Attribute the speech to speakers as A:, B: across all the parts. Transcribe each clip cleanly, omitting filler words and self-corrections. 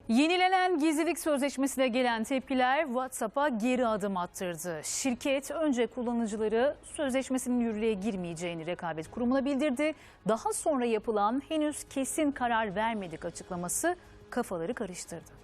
A: Yenilenen gizlilik sözleşmesine gelen tepkiler WhatsApp'a geri adım attırdı. Şirket önce kullanıcıları sözleşmesinin yürürlüğe girmeyeceğini Rekabet Kurumu'na bildirdi. Daha sonra yapılan henüz kesin karar vermedik açıklaması kafaları karıştırdı.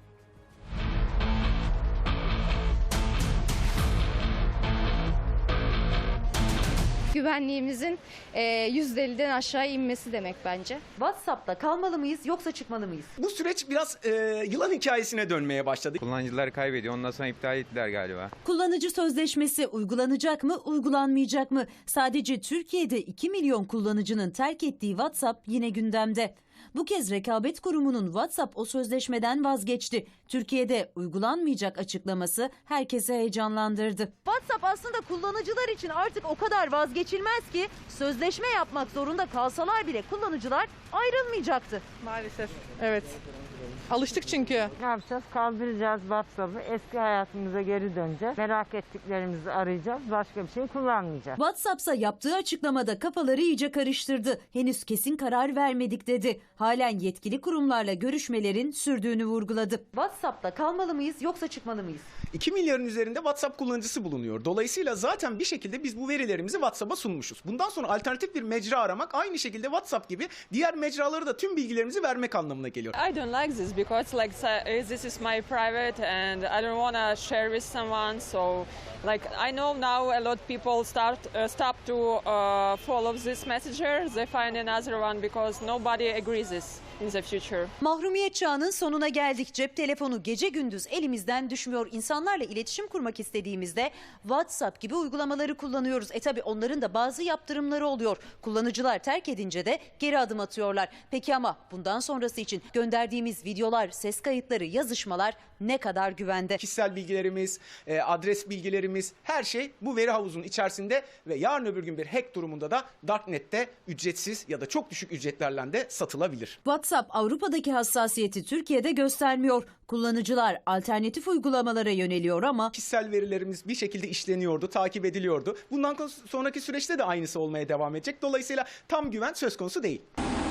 B: Güvenliğimizin %50'den aşağı inmesi demek bence.
C: WhatsApp'ta kalmalı mıyız yoksa çıkmalı mıyız?
D: Bu süreç biraz yılan hikayesine dönmeye başladı.
E: Kullanıcılar kaybediyor. Ondan sonra iptal ettiler galiba.
F: Kullanıcı sözleşmesi uygulanacak mı, uygulanmayacak mı? Sadece Türkiye'de 2 milyon kullanıcının terk ettiği WhatsApp yine gündemde. Bu kez Rekabet Kurumu'nun WhatsApp o sözleşmeden vazgeçti. Türkiye'de uygulanmayacak açıklaması herkesi heyecanlandırdı.
C: WhatsApp aslında kullanıcılar için artık o kadar vazgeçilmez ki sözleşme yapmak zorunda kalsalar bile kullanıcılar ayrılmayacaktı.
G: Maalesef. Evet. Alıştık çünkü.
H: Ne yapacağız? Kaldıracağız WhatsApp'ı. Eski hayatımıza geri döneceğiz. Merak ettiklerimizi arayacağız. Başka bir şey kullanmayacağız.
F: WhatsApp'sa yaptığı açıklamada kafaları iyice karıştırdı. Henüz kesin karar vermedik dedi. Halen yetkili kurumlarla görüşmelerin sürdüğünü vurguladı.
C: WhatsApp'ta kalmalı mıyız yoksa çıkmalı mıyız?
D: 2 milyarın üzerinde WhatsApp kullanıcısı bulunuyor. Dolayısıyla zaten bir şekilde biz bu verilerimizi WhatsApp'a sunmuşuz. Bundan sonra alternatif bir mecra aramak aynı şekilde WhatsApp gibi diğer mecralara da tüm bilgilerimizi vermek anlamına geliyor.
G: I don't like this because this is my private and I don't want to share with someone. So I know now a lot of people stop to follow this messenger. They find another one because nobody agrees this in the future.
F: Mahrumiyet çağının sonuna geldik. Cep telefonu gece gündüz elimizden düşmüyor. İnsanlarla iletişim kurmak istediğimizde WhatsApp gibi uygulamaları kullanıyoruz. Tabii onların da bazı yaptırımları oluyor. Kullanıcılar terk edince de geri adım atıyorlar. Peki ama bundan sonrası için gönderdiğimiz videolar, ses kayıtları, yazışmalar ne kadar güvende?
D: Kişisel bilgilerimiz, adres bilgilerimiz, her şey bu veri havuzunun içerisinde ve yarın öbür gün bir hack durumunda da Darknet'te ücretsiz ya da çok düşük ücretlerle de satılabilir.
F: WhatsApp Avrupa'daki hassasiyeti Türkiye'de göstermiyor. Kullanıcılar alternatif uygulamalara yöneliyor ama
D: Kişisel verilerimiz bir şekilde işleniyordu, takip ediliyordu. Bundan sonraki süreçte de aynısı olmaya devam edecek. Dolayısıyla tam güven söz konusu değil.